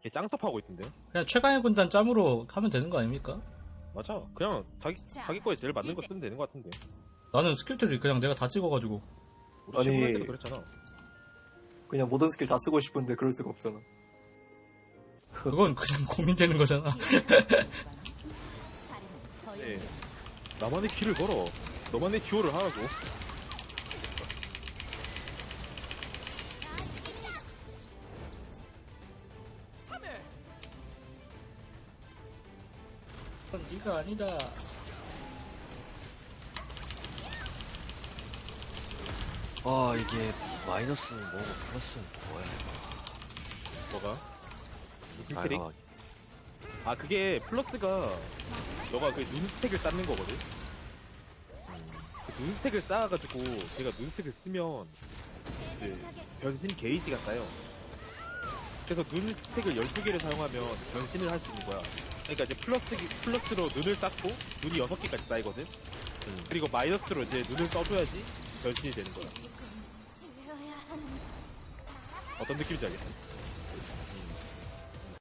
걔 짱섭하고 있던데요? 그냥 최강의 군단 짬으로 하면 되는 거 아닙니까? 맞아. 그냥 자기 거에 제일 맞는 거 쓰면 되는 거 같은데. 나는 스킬들이 그냥 내가 다 찍어가지고. 우리 아니. 친구할 때도 그랬잖아. 그냥 모든 스킬 다 쓰고 싶은데 그럴 수가 없잖아. 그건 그냥 고민되는 거잖아. 네. 나만의 길을 걸어. 너만의 듀오를 하라고. 그건 네가 아니다. 아, 이게 마이너스 뭐고 플러스는 또 뭐야 이거. 뭐가? 무슨 트릭? 다양하게. 아, 그게 플러스가 너가 그 눈스택을 쌓는 거거든? 그 눈스택을 쌓아가지고 걔가 눈스택을 쓰면 이제 변신 게이지가 쌓여. 그래서 눈스택을 12개를 사용하면 변신을 할 수 있는 거야. 그러니까 이제 플러스로 눈을 쌓고 눈이 6개까지 쌓이거든? 그리고 마이너스로 이제 눈을 써줘야지 변신이 되는 거야. 어떤 느낌인지 알겠어?